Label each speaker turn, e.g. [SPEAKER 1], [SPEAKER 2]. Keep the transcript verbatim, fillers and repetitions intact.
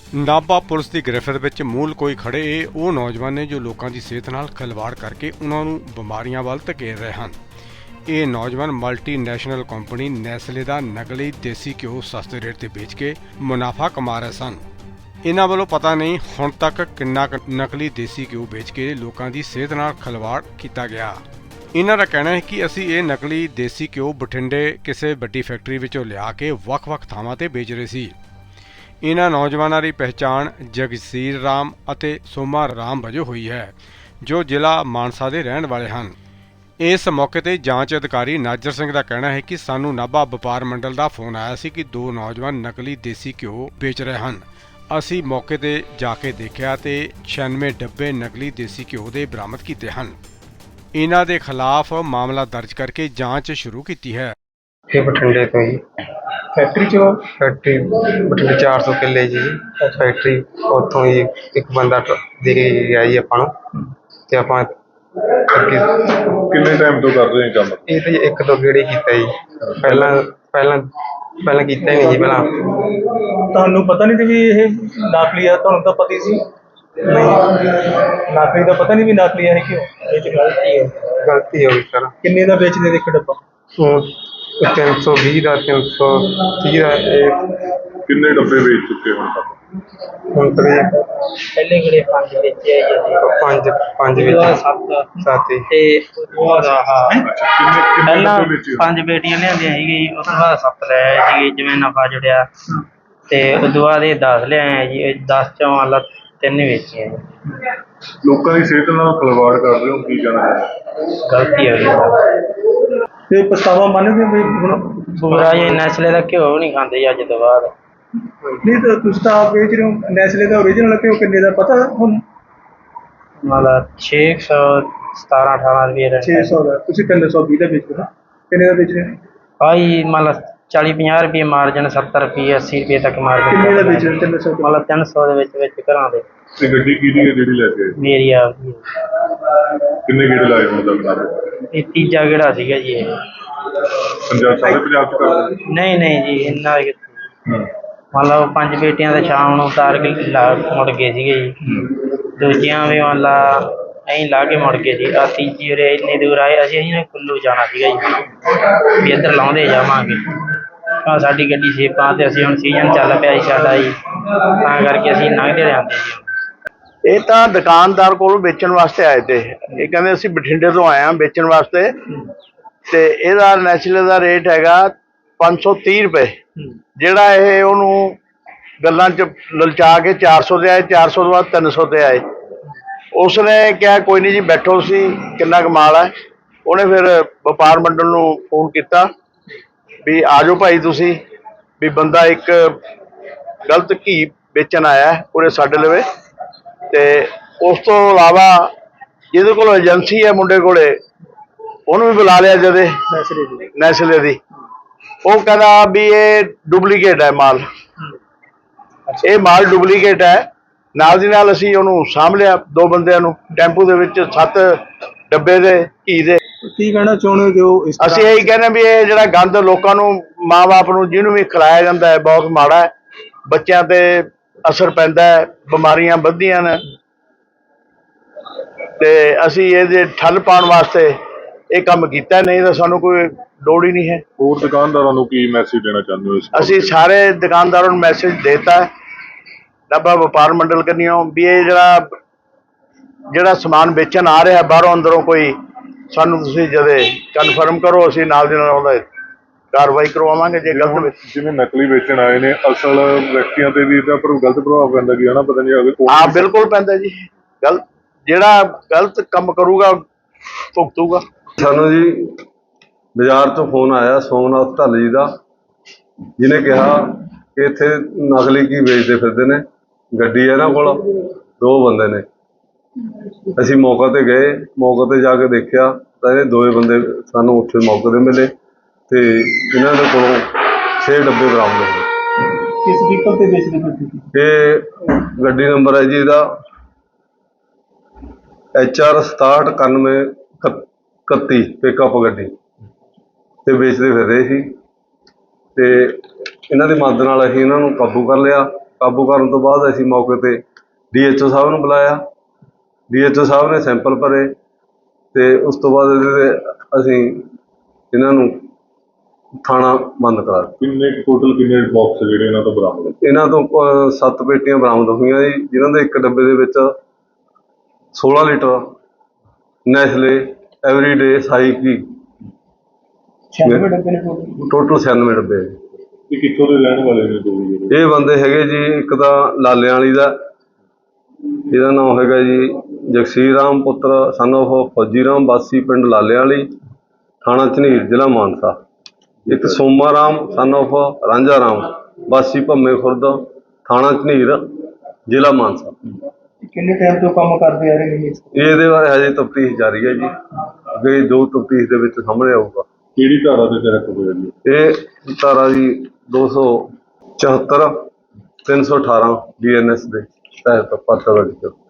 [SPEAKER 1] Nabha police ਦੀ ਗ੍ਰਿਫਤ ਵਿੱਚ ਮੂਲ ਕੋਈ ਖੜੇ ਇਹ ਉਹ ਨੌਜਵਾਨ ਨੇ ਜੋ ਲੋਕਾਂ ਦੀ ਸਿਹਤ ਨਾਲ ਖਿਲਵਾੜ ਕਰਕੇ ਉਹਨਾਂ ਨੂੰ ਬਿਮਾਰੀਆਂ ਵੱਲ ਧਕੇਲ ਰਹੇ ਹਨ। ਇਹ ਨੌਜਵਾਨ ਮਲਟੀ ਨੈਸ਼ਨਲ ਕੰਪਨੀ ਨੈਸਲੇ ਦਾ ਨਕਲੀ ਦੇਸੀ ਘਿਓ ਸਸਤੇ ਰੇਟ ਤੇ ਵੇਚ ਕੇ ਮੁਨਾਫਾ ਕਮਾ ਰਹੇ ਸਨ। ਇਹਨਾਂ ਵੱਲੋਂ ਪਤਾ ਨਹੀਂ ਹੁਣ ਤੱਕ ਕਿੰਨਾ ਕੁ ਨਕਲੀ ਦੇਸੀ ਘਿਓ ਵੇਚ ਕੇ ਲੋਕਾਂ ਦੀ ਸਿਹਤ ਨਾਲ ਖਿਲਵਾੜ ਕੀਤਾ ਗਿਆ। ਇਹਨਾਂ ਦਾ ਕਹਿਣਾ ਹੈ ਕਿ ਅਸੀਂ ਇਹ ਨਕਲੀ ਦੇਸੀ ਘਿਓ ਬਠਿੰਡੇ ਕਿਸੇ ਵੱਡੀ ਫੈਕਟਰੀ ਵਿੱਚੋਂ ਲਿਆ ਕੇ ਵੱਖ-ਵੱਖ ਥਾਵਾਂ ਤੇ ਵੇਚ ਰਹੇ ਸੀ। ਇਹਨਾਂ ਨੌਜਵਾਨਾਂ ਦੀ ਪਹਿਚਾਣ ਜਗਸੀਰ ਰਾਮ ਅਤੇ ਸੋਮਾ ਰਾਮ ਵਜੋਂ ਹੋਈ ਹੈ, ਜੋ ਜ਼ਿਲ੍ਹਾ ਮਾਨਸਾ ਦੇ ਰਹਿਣ ਵਾਲੇ ਹਨ। ਇਸ ਮੌਕੇ ਤੇ ਜਾਂਚ ਅਧਿਕਾਰੀ ਨਾਜਰ ਸਿੰਘ ਦਾ ਕਹਿਣਾ ਹੈ ਕਿ ਸਾਨੂੰ ਨਾਭਾ ਵਪਾਰ ਮੰਡਲ ਦਾ ਫੋਨ ਆਇਆ ਸੀ ਕਿ ਦੋ ਨੌਜਵਾਨ ਨਕਲੀ ਦੇਸੀ ਘਿਓ ਵੇਚ ਰਹੇ ਹਨ। ਅਸੀਂ ਮੌਕੇ ਤੇ ਜਾ ਕੇ ਦੇਖਿਆ ਤੇ ਛਿਆਨਵੇਂ ਡੱਬੇ ਨਕਲੀ ਦੇਸੀ ਘਿਓ ਦੇ ਬਰਾਮਦ ਕੀਤੇ ਹਨ। ਇਹਨਾਂ ਦੇ ਖਿਲਾਫ ਮਾਮਲਾ ਦਰਜ ਕਰਕੇ ਜਾਂਚ ਸ਼ੁਰੂ ਕੀਤੀ ਹੈ।
[SPEAKER 2] ਇਹ ਬਠਿੰਡੇ ਤੋਂ ਜੀ
[SPEAKER 3] ਫੈਕਟਰੀ ਚੋਂ
[SPEAKER 2] ਫੈਕਟਰੀ ਬਠਿੰਡੇ ਚਾਰ ਸੌ ਕਿੱਲੇ ਜੀ ਫੈਕਟਰੀ ਉੱਥੋਂ ਹੀ ਇੱਕ ਬੰਦਾ ਦੇ ਕੇ ਗਿਆ ਜੀ ਆਪਾਂ ਨੂੰ ਤੇ ਆਪਾਂ ਅੱਗੇ
[SPEAKER 3] ਕਿੰਨੇ ਟਾਈਮ ਤੋਂ ਕਰ ਰਹੇ ਹੋ ਕੰਮ?
[SPEAKER 2] ਇਹ ਤਾਂ ਜੀ ਇੱਕ ਦੋ ਗੇੜੇ ਕੀਤਾ ਜੀ। ਪਹਿਲਾਂ ਪਹਿਲਾਂ ਪਹਿਲਾਂ ਕੀਤਾ ਹੀ ਨਹੀਂ ਜੀ। ਪਹਿਲਾਂ
[SPEAKER 3] ਤੁਹਾਨੂੰ ਪਤਾ ਨਹੀਂ ਸੀ ਵੀ ਇਹ ਨਕਲੀ ਆ? ਤੁਹਾਨੂੰ ਤਾਂ ਪਤਾ ਹੀ ਸੀ। ਨਕਲੀ ਦਾ ਪਤਾ ਨਹੀਂ ਵੀ ਨਕਲੀ ਆ ਇਹ ਕਿਉਂ? ਇਹ ਚ ਗਲਤੀ ਹੈ।
[SPEAKER 2] ਗਲਤੀ ਹੋ ਗਈ ਸਰ।
[SPEAKER 3] ਕਿੰਨੇ ਦਾ ਵੇਚਦੇ ਇੱਕ ਡੱਬਾ?
[SPEAKER 2] ਉਹ ਤਿੰਨ ਸੌ ਵੀਹ ਦਾ ਤਿੰਨ ਸੌ ਤੀਹ ਦਾ। ਇਹ
[SPEAKER 3] ਕਿੰਨੇ ਡੱਬੇ ਵੇਚ ਚੁੱਕੇ ਹੁਣ ਤੱਕ?
[SPEAKER 2] ਹੁਣ ਤੱਕ ਜੀ
[SPEAKER 4] ਪਹਿਲੇ ਕਿਹੜੇ ਪੰਜ ਵੇਚੇ ਆ ਜੀ?
[SPEAKER 2] ਪੰਜ ਪੰਜ ਵਿੱਚ
[SPEAKER 4] ਸੱਤ
[SPEAKER 2] ਸੱਤ ਹੀ
[SPEAKER 4] ਤੇ ਉਹਦਾ ਆਹ
[SPEAKER 3] ਕਿੰਨੇ ਕਿੰਨੇ
[SPEAKER 4] ਪਹਿਲਾਂ
[SPEAKER 3] ਡੱਬੇ ਵੇਚੇ?
[SPEAKER 4] ਪੰਜ ਬੇਟੀਆਂ ਲਿਆਂਦੀਆਂ ਸੀਗੀ ਜੀ, ਉਸ ਤੋਂ ਬਾਅਦ ਸੱਤ ਲੈ ਆਏ ਸੀਗੇ ਜਿਵੇਂ ਨਫਾ ਜੁੜਿਆ, ਤੇ ਉਸ ਤੋਂ ਬਾਅਦ ਇਹ ਦਸ ਲਿਆਏ ਜੀ। ਇਹ ਦਸ ਚੋਂ ਮੰਨ ਲਾ ਤਿੰਨ ਹੀ ਵੇਚੀਆਂ ਜੀ।
[SPEAKER 3] ਲੋਕਾਂ ਦੀ ਸਿਹਤ ਨਾਲ ਖਿਲਵਾੜ ਕਰ ਰਹੇ ਹੋ, ਕੀ ਕਹਿਣਾ ਹੈ?
[SPEAKER 4] ਗਲਤੀ ਹੋ ਗਈ ਸਰ।
[SPEAKER 3] ਤੇ ਪਛਤਾਵਾ ਮੰਨਦੇ ਵੀ ਹੁਣ?
[SPEAKER 4] ਬੁਰਾ ਜੀ ਨੈਸਲੇ ਦਾ ਘਿਓ ਵੀ ਨਹੀਂ ਖਾਂਦੇ ਜੀ ਅੱਜ ਤੋਂ ਬਾਅਦ।
[SPEAKER 3] ਨਹੀਂ ਤਾਂ ਤੁਸੀਂ ਤਾਂ ਆਪ ਵੇਚ ਰਹੇ ਹੋ। ਨੈਸਲੇ ਦਾ ਓਰੀਜਨਲ ਘਿਓ ਕਿੰਨੇ ਦਾ ਪਤਾ ਹੁਣ?
[SPEAKER 4] ਮੰਨ ਲਾ ਛੇ ਸੌ ਸਤਾਰਾਂ ਅਠਾਰਾਂ ਰੁਪਏ ਦਾ।
[SPEAKER 3] ਛੇ ਸੌ ਦਾ ਤੁਸੀਂ ਤਿੰਨ ਸੌ ਵੀਹ ਦਾ ਵੇਚ ਰਹੇ ਹੋ। ਕਿੰਨੇ ਦਾ ਵੇਚ ਰਹੇ ਹੋ?
[SPEAKER 4] ਆਹੀ ਮੰਨ ਲਾ ਚਾਲੀ ਪੰਜਾਹ ਰੁਪਏ ਮਾਰਜਨ, ਸੱਤਰ ਰੁਪਏ ਅੱਸੀ ਰੁਪਏ ਤੱਕ ਮਾਰਜਨ।
[SPEAKER 3] ਕਿੰਨੇ ਦਾ ਵੇਚ ਰਹੇ ਹੋ? ਤਿੰਨ ਸੌ
[SPEAKER 4] ਮੰਨ ਲਾ ਤਿੰਨ ਸੌ ਦੇ ਵਿੱਚ ਵਿੱਚ ਘਰਾਂ ਦੇ।
[SPEAKER 3] ਤੇ ਗੱਡੀ ਕਿਹਦੀ ਹੈ ਜਿਹੜੀ ਲੈ ਕੇ?
[SPEAKER 4] ਮੇਰੀ ਆ ਜੀ।
[SPEAKER 3] ਕਿੰਨੇ ਗੇੜੇ ਲਾਏ ਹੁਣ ਤੱਕ?
[SPEAKER 4] ਇਹ ਤੀਜਾ ਕਿਹੜਾ ਸੀਗਾ ਜੀ ਇਹ?
[SPEAKER 3] ਪੰਜਾਬ ਸਾਰੇ ਪੰਜਾਬ ਚ ਕਰਦੇ?
[SPEAKER 4] ਨਹੀਂ ਨਹੀਂ ਜੀ ਇੰਨਾ ਕਿੱਥੇ। ਮੰਨ ਲਓ ਪੰਜ ਬੇਟੀਆਂ ਦਾ ਸ਼ਾਮ ਨੂੰ ਉਤਾਰ ਕੇ ਲਾ ਮੁੜ ਗਏ ਸੀਗੇ ਜੀ। ਦੂਜੀਆਂ ਵੀ ਮੰਨ ਲਾ ਅਸੀਂ ਲਾ ਕੇ ਮੁੜ ਗਏ ਸੀ। ਆ ਤੀਜੀ ਉਰੇ ਇੰਨੀ ਦੂਰ ਆਏ ਅਸੀਂ ਅਸੀਂ ਕੁੱਲੂ ਜਾਣਾ ਸੀਗਾ ਜੀ, ਵੀ ਇੱਧਰ ਲਾਉਂਦੇ ਜਾਵਾਂਗੇ। ਆ ਸਾਡੀ ਗੱਡੀ ਸੇਪਾਂ ਤੇ ਅਸੀਂ ਹੁਣ ਸੀਜ਼ਨ ਚੱਲ ਪਿਆ ਜੀ ਸਾਡਾ ਜੀ, ਤਾਂ ਕਰਕੇ ਅਸੀਂ ਲੰਘਦੇ ਜਾਂਦੇ ਜੀ।
[SPEAKER 5] ਇਹ ਤਾਂ ਦੁਕਾਨਦਾਰ ਕੋਲ ਵੇਚਣ ਵਾਸਤੇ ਆਏ ਤੇ। ਇਹ ਕਹਿੰਦੇ ਅਸੀਂ ਬਠਿੰਡੇ ਤੋਂ ਆਏ ਹਾਂ ਵੇਚਣ ਵਾਸਤੇ, ਤੇ ਇਹਦਾ ਨੈਸਲੇ ਦਾ ਰੇਟ ਹੈਗਾ ਪੰਜ ਸੌ ਤੀਹ ਰੁਪਏ। ਜਿਹੜਾ ਇਹ ਉਹਨੂੰ ਗੱਲਾਂ 'ਚ ਲਲਚਾ ਕੇ ਚਾਰ ਸੌ ਦੇ ਆਏ, ਚਾਰ ਸੌ ਤੋਂ ਬਾਅਦ ਤਿੰਨ ਸੌ ਤੇ ਆਏ। ਉਸਨੇ ਕਿਹਾ ਕੋਈ ਨਹੀਂ ਜੀ ਬੈਠੋ, ਸੀ ਕਿੰਨਾ ਕੁ ਮਾਲ ਹੈ। ਉਹਨੇ ਫਿਰ ਵਪਾਰ ਮੰਡਲ ਨੂੰ ਫੋਨ ਕੀਤਾ ਵੀ ਆ ਜਾਓ ਭਾਈ ਤੁਸੀਂ, ਵੀ ਬੰਦਾ ਇੱਕ ਗਲਤ ਘੀ ਵੇਚਣ ਆਇਆ ਪੂਰੇ ਸਾਡੇ ਲਵੇ। ਤੇ ਉਸ ਤੋਂ ਇਲਾਵਾ ਜਿਹਦੇ ਕੋਲ ਏਜੰਸੀ ਹੈ ਮੁੰਡੇ ਕੋਲੇ, ਉਹਨੂੰ ਵੀ ਬੁਲਾ ਲਿਆ ਜਦੇ ਨੈਸਲੇ ਦੀ। ਉਹ ਕਹਿੰਦਾ ਵੀ ਇਹ ਡੁਪਲੀਕੇਟ ਹੈ ਮਾਲ, ਇਹ ਮਾਲ ਡੁਪਲੀਕੇਟ ਹੈ। ਨਾਲ ਦੀ ਨਾਲ ਅਸੀਂ ਉਹਨੂੰ ਸਾਂਭ ਲਿਆ, ਦੋ ਬੰਦਿਆਂ ਨੂੰ ਟੈਂਪੂ ਦੇ ਵਿੱਚ ਸੱਤ ਡੱਬੇ ਦੇ ਘੀ ਦੇ।
[SPEAKER 3] ਕੀ ਕਹਿਣਾ ਚਾਹੁੰਦੇ ਜੋ ਇਸ ਤਰ੍ਹਾਂ?
[SPEAKER 5] ਅਸੀਂ ਇਹੀ ਕਹਿੰਦੇ ਵੀ ਇਹ ਜਿਹੜਾ ਗੰਦ ਲੋਕਾਂ ਨੂੰ, ਮਾਂ ਬਾਪ ਨੂੰ ਜਿਹਨੂੰ ਵੀ ਖਿਲਾਇਆ ਜਾਂਦਾ ਹੈ, ਬਹੁਤ ਮਾੜਾ ਹੈ। ਬੱਚਿਆਂ ਤੇ ਅਸਰ ਪੈਂਦਾ ਹੈ, ਬਿਮਾਰੀਆਂ ਵੱਧਦੀਆਂ ਨੇ, ਤੇ ਅਸੀਂ ਇਹਦੇ ਠੱਲ ਪਾਉਣ ਵਾਸਤੇ ਇਹ ਕੰਮ ਕੀਤਾ। ਨਹੀਂ ਤਾਂ ਸਾਨੂੰ ਕੋਈ ਲੋੜ ਹੀ ਨਹੀਂ ਹੈ।
[SPEAKER 3] ਹੋਰ ਦੁਕਾਨਦਾਰਾਂ ਨੂੰ ਕੀ ਮੈਸੇਜ ਦੇਣਾ ਚਾਹੁੰਦੇ ਹੋ ਇਸ ਬਾਰੇ?
[SPEAKER 5] ਅਸੀਂ ਸਾਰੇ ਦੁਕਾਨਦਾਰਾਂ ਨੂੰ ਮੈਸੇਜ ਦੇਤਾ ਨਾਭਾ ਵਪਾਰ ਮੰਡਲ ਕਰਨੀਓ ਵੀ ਇਹ ਜਿਹੜਾ ਜਿਹੜਾ ਸਮਾਨ ਵੇਚਣ ਆ ਰਿਹਾ ਬਾਹਰੋਂ ਅੰਦਰੋਂ ਕੋਈ, ਸਾਨੂੰ ਤੁਸੀਂ ਜਦੇ ਕਨਫਰਮ ਕਰੋ, ਅਸੀਂ ਨਾਲ ਦੀ ਨਾਲ ਉਹਦਾ ਕਾਰਵਾਈ ਕਰਵਾਵਾਂਗੇ। ਜੇ ਗਲਤ ਵਿੱਚ
[SPEAKER 3] ਜਿਵੇਂ ਨਕਲੀ ਵੇਚਣ ਆਏ ਨੇ, ਅਸਲ ਵਿਅਕਤੀਆਂ ਤੇ ਵੀ ਇਹਦਾ ਪਰ ਗਲਤ ਪ੍ਰਭਾਵ ਪੈਂਦਾ ਕਿ ਹਨਾ, ਪਤਾ ਨਹੀਂ ਅਗਰ
[SPEAKER 5] ਹਾਂ ਬਿਲਕੁਲ ਪੈਂਦਾ ਜੀ। ਗਲਤ ਜਿਹੜਾ ਗਲਤ ਕੰਮ ਕਰੂਗਾ ਭੁਗਤੂਗਾ।
[SPEAKER 6] ਸਾਨੂੰ ਜੀ ਬਾਜ਼ਾਰ ਤੋਂ ਫੋਨ ਆਇਆ ਸੋਮਨਾਥ ਢੱਲ ਜੀ ਦਾ, ਜਿਹਨੇ ਕਿਹਾ ਕਿ ਇੱਥੇ ਨਕਲੀ ਘੀ ਵੇਚਦੇ ਫਿਰਦੇ ਨੇ। ਗੱਡੀ ਹੈ ਇਹਨਾਂ ਕੋਲ, ਦੋ ਬੰਦੇ ਨੇ। ਅਸੀਂ ਮੌਕੇ ਤੇ ਗਏ, ਮੌਕੇ ਤੇ ਜਾ ਕੇ ਦੇਖਿਆ ਤਾਂ ਇਹ ਦੋਵੇਂ ਬੰਦੇ ਸਾਨੂੰ ਉੱਥੇ ਮੌਕੇ ਤੇ ਮਿਲੇ, ਤੇ ਇਹਨਾਂ ਦੇ ਕੋਲੋਂ ਛੇ ਡੱਬੇ ਬਰਾਮਦ ਹੋਏ।
[SPEAKER 3] ਕਿਸ ਵਹੀਕਲ ਤੇ ਵੇਚਦੇ ਫਿਰਦੇ?
[SPEAKER 6] ਇਹ ਗੱਡੀ ਨੰਬਰ ਹੈ ਜੀ ਇਹਦਾ ਐਚ ਆਰ ਸਤਾਹਠ ਇਕਾਨਵੇਂ ਇਕੱਤੀ, ਪਿਕਅਪ ਗੱਡੀ ਤੇ ਵੇਚਦੇ ਫਿਰ ਰਹੇ ਸੀ। ਤੇ ਇਹਨਾਂ ਦੀ ਮਦਦ ਨਾਲ ਅਸੀਂ ਇਹਨਾਂ ਨੂੰ ਕਾਬੂ ਕਰ ਲਿਆ। ਕਾਬੂ ਕਰਨ ਤੋਂ ਬਾਅਦ ਅਸੀਂ ਮੌਕੇ ਤੇ ਡੀਐਚਓ ਸਾਹਿਬ ਨੂੰ ਬੁਲਾਇਆ। ਡੀਐਚਓ ਸਾਹਿਬ ਨੇ ਸੈਂਪਲ ਭਰੇ ਤੇ ਉਸ ਤੋਂ ਬਾਅਦ ਇਹਦੇ ਤੇ ਅਸੀਂ ਇਹਨਾਂ ਨੂੰ ਥਾਣਾ ਬੰਦ ਕਰਾ ਦਿੱਤਾ।
[SPEAKER 3] ਕਿੰਨੇ ਟੋਟਲ ਕਿੰਨੇ ਬਾਕਸ ਜਿਹੜੇ ਇਹਨਾਂ ਤੋਂ ਬਰਾਮਦ ਹੋਏ?
[SPEAKER 6] ਇਹਨਾਂ ਤੋਂ ਅਹ, ਸੱਤ ਪੇਟੀਆਂ ਬਰਾਮਦ ਹੋਈਆਂ ਜੀ, ਜਿਨ੍ਹਾਂ ਦੇ ਇੱਕ ਡੱਬੇ ਦੇ ਵਿੱਚ ਸੋਲਾਂ ਲੀਟਰ ਨੈਸਲੇ ਐਵਰੀਡੇ ਸਾਈਕੀ
[SPEAKER 4] ਛਿਆਨਵੇਂ ਡੱਬੇ ਨੇ ਟੋਟਲ।
[SPEAKER 6] ਟੋਟਲ ਛਿਆਨਵੇਂ ਡੱਬੇ ਆ ਜੀ।
[SPEAKER 3] ਇਹ ਕਿੱਥੋਂ ਦੇ ਰਹਿਣ ਵਾਲੇ ਨੇ ਦੋ ਜਿਹੜੇ?
[SPEAKER 6] ਇਹ ਬੰਦੇ ਹੈਗੇ ਜੀ, ਇੱਕ ਤਾਂ ਲਾਲਿਆਂ ਵਾਲੀ ਦਾ, ਇਹਦਾ ਨਾਮ ਹੈਗਾ ਜੀ ਜਗਸੀਰ ਰਾਮ ਪੁੱਤਰ ਸਨ ਆਫ ਫੌਜੀ ਰਾਮ, ਵਾਸੀ ਪਿੰਡ ਲਾਲਿਆਂ ਵਾਲੀ, ਥਾਣਾ ਝਨੀਰ, ਜ਼ਿਲ੍ਹਾ ਮਾਨਸਾ। ਇੱਕ ਸੋਮਾ ਰਾਮ ਸਨ ਆਫ ਰਾਂਝਾ ਰਾਮ, ਵਾਸੀ ਭੰਮੇ ਖੁਰਦ, ਥਾਣਾ ਝਨੀਰ, ਜ਼ਿਲ੍ਹਾ ਮਾਨਸਾ।
[SPEAKER 4] ਕਿੰਨੇ ਟਾਈਮ ਤੋਂ ਕੰਮ ਕਰਦੇ ਆ ਰਹੇ ਨੇ?
[SPEAKER 6] ਇਹਦੇ ਬਾਰੇ ਹਜੇ ਤਫਤੀਸ਼ ਜਾਰੀ ਹੈ ਜੀ, ਅੱਗੇ ਜੋ ਤਫਤੀਸ਼ ਦੇ ਵਿੱਚ ਸਾਹਮਣੇ ਆਊਗਾ।
[SPEAKER 3] ਕਿਹੜੀ ਧਾਰਾ ਦੇ ਤਹਿਤ ਹੋਇਆ ਜੀ?
[SPEAKER 6] ਇਹ ਧਾਰਾ ਜੀ ਦੋ ਸੌ ਚੁਹੱਤਰ ਤਿੰਨ ਸੌ ਅਠਾਰਾਂ ਬੀ ਐਨ ਐਸ ਦੇ ਤਹਿਤ ਪਰਚਾ ਦਰਜ ਕੀਤਾ।